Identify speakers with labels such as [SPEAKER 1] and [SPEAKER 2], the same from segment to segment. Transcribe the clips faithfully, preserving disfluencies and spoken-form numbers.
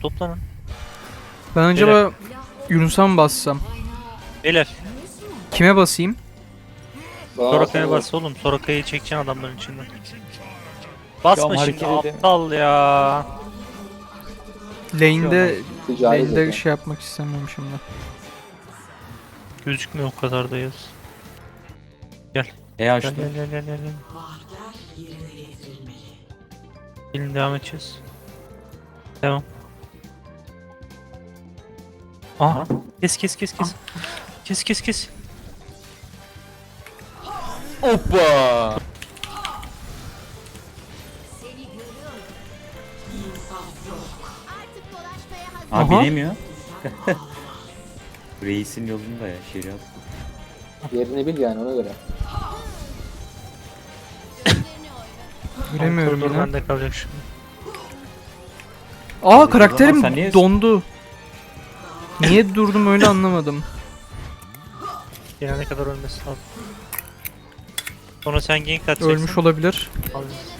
[SPEAKER 1] toplanın.
[SPEAKER 2] Ben acaba Yunus'a mı bassam?
[SPEAKER 1] Beyler.
[SPEAKER 2] Kime basayım?
[SPEAKER 1] Soraka'ya bas oğlum. Soraka'yı çekeceksin adamların içinden. Basma
[SPEAKER 3] Ya,
[SPEAKER 1] şimdi
[SPEAKER 3] hareket
[SPEAKER 1] aptal ya.
[SPEAKER 2] Lane'de,
[SPEAKER 4] Ticari
[SPEAKER 2] lane'de
[SPEAKER 4] zeka.
[SPEAKER 2] şey yapmak istemiyorum şimdi.
[SPEAKER 1] Gözükmüyor o kadar da yaz. Gel.
[SPEAKER 3] E
[SPEAKER 1] Gel
[SPEAKER 3] açtım.
[SPEAKER 1] gel gel gel gel. Gelin devam edeceğiz. Devam. Aha. Kes kes kes kes. Kes kes kes.
[SPEAKER 3] Hoppa. Abi
[SPEAKER 2] Aha.
[SPEAKER 3] binemiyor. Reisin yolunda ya şeriat.
[SPEAKER 4] Yerini bil yani ona göre.
[SPEAKER 2] Göremiyorum
[SPEAKER 1] Koridor
[SPEAKER 2] yine.
[SPEAKER 1] bende kalacak şimdi.
[SPEAKER 2] Aa
[SPEAKER 3] Sen
[SPEAKER 2] karakterim
[SPEAKER 3] niye-
[SPEAKER 2] dondu. Niye durdum öyle anlamadım.
[SPEAKER 1] Gelene kadar ölmesi lazım. Sonra sen gank atacaksın.
[SPEAKER 2] Ölmüş olabilir.
[SPEAKER 1] Al.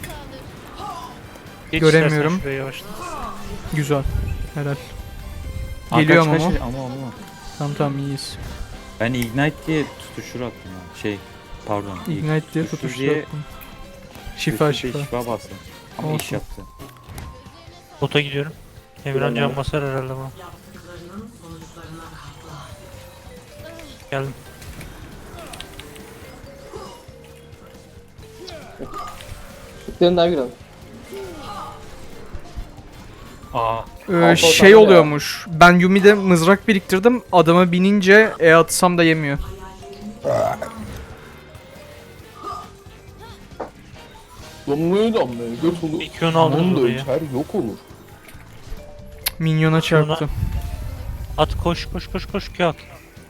[SPEAKER 1] Geç
[SPEAKER 2] Göremiyorum.
[SPEAKER 1] istersen şuraya yavaşla.
[SPEAKER 2] Güzel. Helal.
[SPEAKER 3] Aa,
[SPEAKER 2] Geliyor
[SPEAKER 3] kaç,
[SPEAKER 2] ama.
[SPEAKER 3] kaç, ama ama.
[SPEAKER 2] Tamam tamam iyiyiz.
[SPEAKER 3] Ben ignite diye tutuşur attım ya. Şey pardon.
[SPEAKER 2] Ignite diye
[SPEAKER 3] tutuştur
[SPEAKER 2] tutuştu.
[SPEAKER 3] diye-
[SPEAKER 2] Şifa
[SPEAKER 3] tutuştur diye
[SPEAKER 2] şifa.
[SPEAKER 3] Şifa bastım. Ama iş
[SPEAKER 2] Olsun.
[SPEAKER 3] yaptı.
[SPEAKER 1] Bota gidiyorum. Emirhan can basar herhalde bana. Geldim.
[SPEAKER 4] Tıklayın daha girelim.
[SPEAKER 3] Aa.
[SPEAKER 2] Ee,
[SPEAKER 4] Alfa
[SPEAKER 2] şey
[SPEAKER 4] atamıyor
[SPEAKER 2] oluyormuş. Ben Yumi'de mızrak biriktirdim. Adama binince E atsam da yemiyor.
[SPEAKER 5] Damlaya damlaya göt olur.
[SPEAKER 1] İki yön aldım
[SPEAKER 5] Onun da
[SPEAKER 1] burayı.
[SPEAKER 5] içer yok olur.
[SPEAKER 2] Minyona çarptı.
[SPEAKER 1] At koş koş koş koş Q at.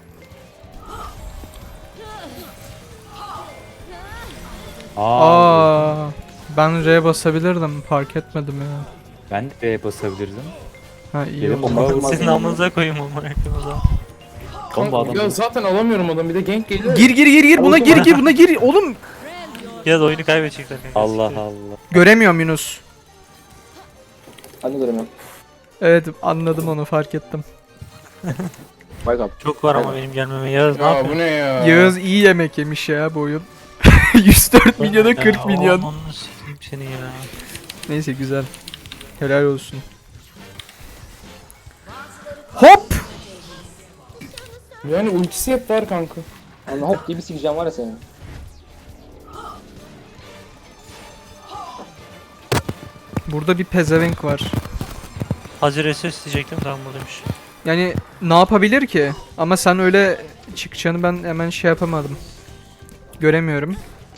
[SPEAKER 3] Aa.
[SPEAKER 2] Aa, ben R basabilirdim. Fark etmedim ya.
[SPEAKER 3] Ben de B'ye basabilirdim.
[SPEAKER 2] Ha iyi
[SPEAKER 3] Benim
[SPEAKER 2] oldu.
[SPEAKER 3] bomba
[SPEAKER 4] Olmaz
[SPEAKER 1] Sizin
[SPEAKER 4] mı?
[SPEAKER 1] amınıza koyayım ama o zaman.
[SPEAKER 3] Bomba adam.
[SPEAKER 5] Ya zaten alamıyorum adam bir de gank geliyor.
[SPEAKER 2] Gir gir gir gir buna gir gir buna gir. Oğlum
[SPEAKER 1] Ya da oyunu kaybedecekler. kanka.
[SPEAKER 3] Allah
[SPEAKER 1] Siktir.
[SPEAKER 3] Allah.
[SPEAKER 2] göremiyorum Yunus.
[SPEAKER 4] Ben de göremiyorum.
[SPEAKER 2] Evet anladım onu fark ettim.
[SPEAKER 4] Bak abi.
[SPEAKER 1] Çok var ama benim gelmeme. Yağız ne
[SPEAKER 5] Ya bu
[SPEAKER 1] yapıyorsun?
[SPEAKER 5] ne ya?
[SPEAKER 2] Yağız iyi yemek yemiş ya bu oyun. yüz dört milyona kırk
[SPEAKER 1] Ya,
[SPEAKER 2] milyon.
[SPEAKER 1] aman sikeyim seni ya.
[SPEAKER 2] Neyse güzel. Helal olsun. Hop!
[SPEAKER 5] Yani ultisi hep var kanka.
[SPEAKER 4] Anla hop gibi sikeceğim var ya senin.
[SPEAKER 2] Burada bir pezevenk var.
[SPEAKER 1] Hazır S S diyecektim tamam buradaymış.
[SPEAKER 2] Yani ne yapabilir ki? Ama sen öyle çıkacağını ben hemen şey yapamadım. Göremiyorum.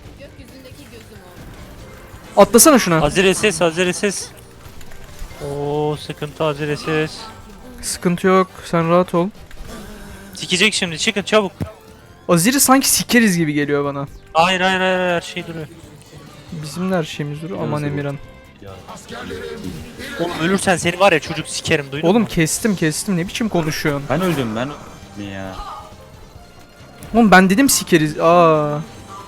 [SPEAKER 2] Atlasana şuna.
[SPEAKER 1] Hazır S S hazır S S. Oo sıkıntı hazır S S.
[SPEAKER 2] Sıkıntı yok. Sen rahat ol.
[SPEAKER 1] Sikecek şimdi çıkın çabuk.
[SPEAKER 2] Azir'i sanki sikeriz gibi geliyor bana.
[SPEAKER 1] Hayır hayır hayır her şey duruyor.
[SPEAKER 2] Bizim de her şeyimiz duruyor. Aman
[SPEAKER 3] Yazık.
[SPEAKER 2] Emirhan.
[SPEAKER 1] Oğlum ölürsen seni var ya çocuk sikerim duydun
[SPEAKER 2] Oğlum
[SPEAKER 1] mu?
[SPEAKER 2] kestim kestim. Ne biçim konuşuyorsun?
[SPEAKER 3] Ben öldüm ben öldüm ya.
[SPEAKER 2] Oğlum ben dedim sikeriz. Aa.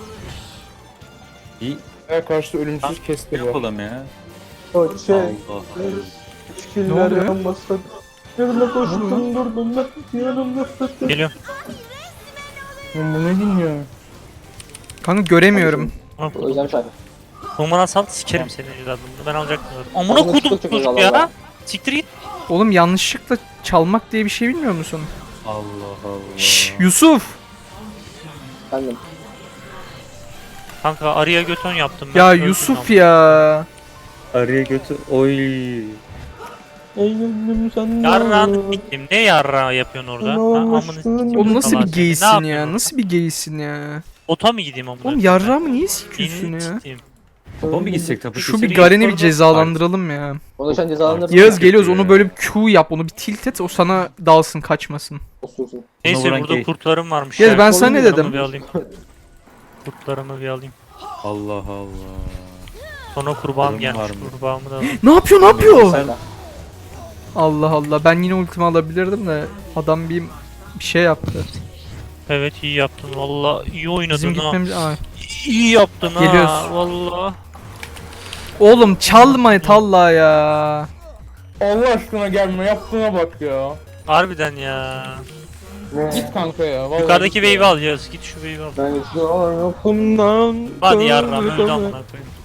[SPEAKER 3] İyi
[SPEAKER 5] Ya karşıda ölümsüz kesti var.
[SPEAKER 3] yapalım ya.
[SPEAKER 4] Şey,
[SPEAKER 3] Allah Allah.
[SPEAKER 2] Ne oluyor?
[SPEAKER 4] yanmasın. Yanına koştum durdum ben. Yanımda fıttı.
[SPEAKER 1] Geliyorum.
[SPEAKER 5] Lan bu ne dinliyor?
[SPEAKER 2] Kanka göremiyorum.
[SPEAKER 4] Özlem şarkı.
[SPEAKER 1] Numaran sal sikerim seni evladımı. Ben alacaktım. Amına
[SPEAKER 4] Amına
[SPEAKER 1] kodum
[SPEAKER 4] çok çok
[SPEAKER 1] çocuk
[SPEAKER 4] Allah
[SPEAKER 1] ya.
[SPEAKER 4] Allah.
[SPEAKER 1] Siktir git.
[SPEAKER 2] Oğlum yanlışlıkla çalmak diye bir şey bilmiyor musun?
[SPEAKER 3] Allah Allah.
[SPEAKER 2] Şşş Yusuf.
[SPEAKER 4] Bendim.
[SPEAKER 1] Kanka arıya göton yaptım ben.
[SPEAKER 2] Ya
[SPEAKER 1] öldüm
[SPEAKER 2] Yusuf
[SPEAKER 1] ama.
[SPEAKER 2] ya.
[SPEAKER 3] Araya götür. Oy.
[SPEAKER 4] Ey gönlüm sen
[SPEAKER 1] Yarrağını siktim. Ne yarrağı yapıyorsun orada? Ha, amını sikeyim.
[SPEAKER 2] Oğlum nasıl
[SPEAKER 1] Allah
[SPEAKER 2] bir
[SPEAKER 1] seni. Ne
[SPEAKER 2] geysin
[SPEAKER 1] yapıyorsun
[SPEAKER 2] ya?
[SPEAKER 1] orada?
[SPEAKER 2] Nasıl bir geysin ya?
[SPEAKER 1] Bota mı gideyim amına?
[SPEAKER 2] Oğlum
[SPEAKER 1] koyayım ben?
[SPEAKER 2] yarrağı mı niye sikiyorsun
[SPEAKER 1] Elini
[SPEAKER 2] ya?
[SPEAKER 1] sikeyim.
[SPEAKER 3] Topa mı gitsek tapu
[SPEAKER 2] Şu
[SPEAKER 3] gitsek?
[SPEAKER 2] bir Garen'i bir
[SPEAKER 1] orada-
[SPEAKER 2] cezalandıralım ya.
[SPEAKER 4] Onu sen cezalandırdın.
[SPEAKER 2] Yağız geliyoruz onu böyle bir Q yap onu bir tilt et o sana dalsın kaçmasın.
[SPEAKER 4] Osursun.
[SPEAKER 1] Neyse
[SPEAKER 3] vuran
[SPEAKER 1] burada
[SPEAKER 3] gay.
[SPEAKER 1] kurtlarım varmış.
[SPEAKER 2] Yağız
[SPEAKER 1] ya.
[SPEAKER 2] ben sana ne
[SPEAKER 1] Kurtlarımı
[SPEAKER 2] dedim?
[SPEAKER 1] bir alayım. Kurtlarımı bir alayım.
[SPEAKER 3] Allah Allah.
[SPEAKER 1] Sonra kurbağam
[SPEAKER 3] Kurtlarım var
[SPEAKER 1] gelmiş.
[SPEAKER 3] mı?
[SPEAKER 1] Kurbağamı da alayım.
[SPEAKER 2] Ne yapıyor ne yapıyor?
[SPEAKER 3] Sen-
[SPEAKER 2] Allah Allah ben yine ultimi alabilirdim de adam bir bir şey yaptı.
[SPEAKER 1] Evet iyi yaptın valla iyi oynadın
[SPEAKER 2] Bizim
[SPEAKER 1] ha.
[SPEAKER 2] gitmemiz... Aa.
[SPEAKER 1] İyi yaptın ha.
[SPEAKER 2] Geliyoruz.
[SPEAKER 1] Valla.
[SPEAKER 2] Oğlum çalma talla ya.
[SPEAKER 5] Allah aşkına gelme, yaptığına bak ya.
[SPEAKER 1] Harbiden ya.
[SPEAKER 5] Git kanka ya. Vallahi
[SPEAKER 1] Yukarıdaki
[SPEAKER 5] git ya.
[SPEAKER 1] wave'i alacağız. Git şu wave'i al.
[SPEAKER 4] Ben şu yapımdan.
[SPEAKER 1] Hadi yarram öldü amına koyayım.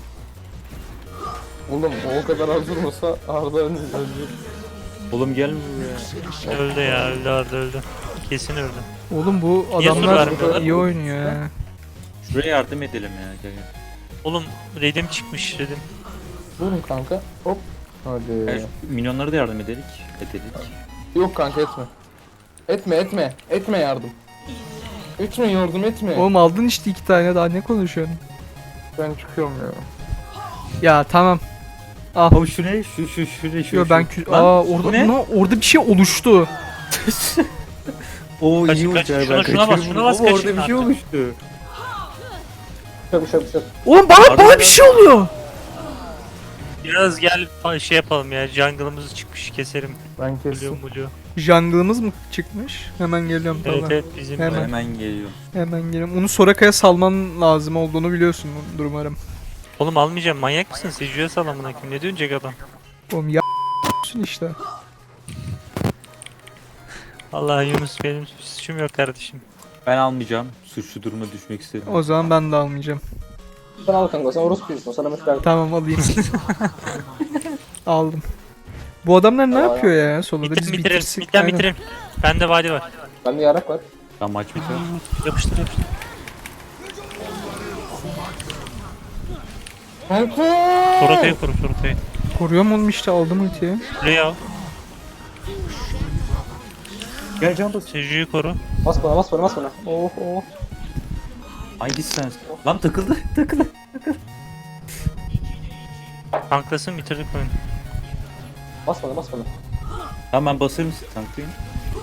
[SPEAKER 5] Oğlum o kadar az durmasa Arda ölecek.
[SPEAKER 3] Oğlum gelme buraya.
[SPEAKER 1] Öldü ya öldü Arda öldü. Kesin öldü.
[SPEAKER 2] Oğlum bu
[SPEAKER 1] Niye sur
[SPEAKER 2] adamlar
[SPEAKER 1] vermiyorlar?
[SPEAKER 2] iyi oynuyor ya.
[SPEAKER 3] Şuraya yardım edelim ya. Gel gel.
[SPEAKER 1] Oğlum Redim çıkmış Redim.
[SPEAKER 5] Vurun kanka. Hop.
[SPEAKER 3] Gel
[SPEAKER 5] Hadi.
[SPEAKER 3] şu minyonlara da yardım edelim. Edelim.
[SPEAKER 5] Yok kanka etme. Etme etme. Etme yardım. Etme yardım etme.
[SPEAKER 2] Oğlum aldın işte iki tane, daha ne konuşuyorsun?
[SPEAKER 5] Ben çıkıyorum ya.
[SPEAKER 2] Ya tamam. Ah.
[SPEAKER 3] Abi şu ne? Şu şu şu ne? Şu,
[SPEAKER 2] Yo
[SPEAKER 3] şu.
[SPEAKER 2] ben kü-
[SPEAKER 3] Lan,
[SPEAKER 2] Aa
[SPEAKER 3] bu
[SPEAKER 2] orada
[SPEAKER 3] ne?
[SPEAKER 2] ne? Orada bir şey oluştu.
[SPEAKER 3] Oo
[SPEAKER 1] Kaç-
[SPEAKER 3] iyi
[SPEAKER 1] kaç-
[SPEAKER 3] oldu ya,
[SPEAKER 1] şuna-
[SPEAKER 3] ben
[SPEAKER 1] şuna bas,
[SPEAKER 3] kaçırdım.
[SPEAKER 1] şuna bas,
[SPEAKER 3] Ama
[SPEAKER 1] kaçın
[SPEAKER 3] orada bir şey
[SPEAKER 1] artık.
[SPEAKER 3] oluştu.
[SPEAKER 4] Şap şap şap.
[SPEAKER 2] Oğlum bana
[SPEAKER 3] Arda
[SPEAKER 2] bana
[SPEAKER 3] ben-
[SPEAKER 2] bir şey oluyor.
[SPEAKER 1] Biraz gel fa- şey yapalım ya. Jungle'ımız çıkmış keserim.
[SPEAKER 5] Ben
[SPEAKER 1] Blue
[SPEAKER 5] kestim.
[SPEAKER 1] blue.
[SPEAKER 2] Jungle'ımız mı çıkmış? Hemen geliyorum
[SPEAKER 1] Evet
[SPEAKER 2] tamam.
[SPEAKER 1] evet bizim.
[SPEAKER 2] Hemen.
[SPEAKER 3] Hemen geliyor.
[SPEAKER 2] Hemen geliyorum. Onu Soraka'ya salman lazım olduğunu biliyorsun umarım.
[SPEAKER 1] Oğlum almayacağım manyak mısın? Seju'ya sal amına koyayım. Ne dönecek adam?
[SPEAKER 2] Oğlum ya işte.
[SPEAKER 1] Allah Yunus benim suçum yok kardeşim.
[SPEAKER 3] Ben almayacağım. Suçlu duruma düşmek istedim.
[SPEAKER 2] O zaman ben de almayacağım.
[SPEAKER 4] Sen al kanka, sen orospuysun, sana mesaj.
[SPEAKER 2] Tamam alayım. Aldım. Bu adamlar ne
[SPEAKER 4] Aa.
[SPEAKER 2] yapıyor ya soloda?
[SPEAKER 1] Bitirin
[SPEAKER 2] Biz
[SPEAKER 1] bitirelim.
[SPEAKER 2] bitirsek.
[SPEAKER 1] Midden
[SPEAKER 2] aynen.
[SPEAKER 1] bitirelim. Bende vadi var.
[SPEAKER 4] Bende yarak var.
[SPEAKER 3] Tamam maç bitiyor.
[SPEAKER 1] Yapıştır yapıştır.
[SPEAKER 5] Kanka.
[SPEAKER 1] Sorota'yı koru Sorota'yı.
[SPEAKER 2] Koruyorum oğlum işte, aldım ultiyi.
[SPEAKER 1] Kuleyi al.
[SPEAKER 3] Gel can bas.
[SPEAKER 1] Seju'yu koru.
[SPEAKER 4] Bas bana, bas bana, bas bana. Oh oh.
[SPEAKER 3] Hangisi sensin? Lan takıldı. Takıldı.
[SPEAKER 1] Tanklasın bitirdik oyunu.
[SPEAKER 4] Bas bana, bas bana.
[SPEAKER 3] Tamam ben basarım sizi tanklayın.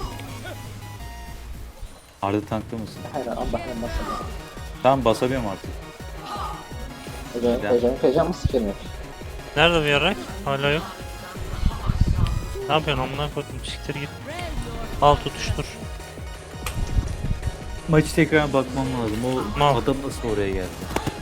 [SPEAKER 3] Arda tankta mısın?
[SPEAKER 4] Hayır, Allah hayır, bas bana.
[SPEAKER 3] Tamam basabiliyorum artık.
[SPEAKER 4] Hocam,
[SPEAKER 3] Gel.
[SPEAKER 4] hocam, hocam mı sikerim yok.
[SPEAKER 1] Nerede bu yarak? Hala yok. Ne yapıyorsun amına koydum siktir git. Al tutuştur.
[SPEAKER 3] Maçı tekrar bakmam lazım. O
[SPEAKER 1] Mal.
[SPEAKER 3] adam nasıl oraya geldi?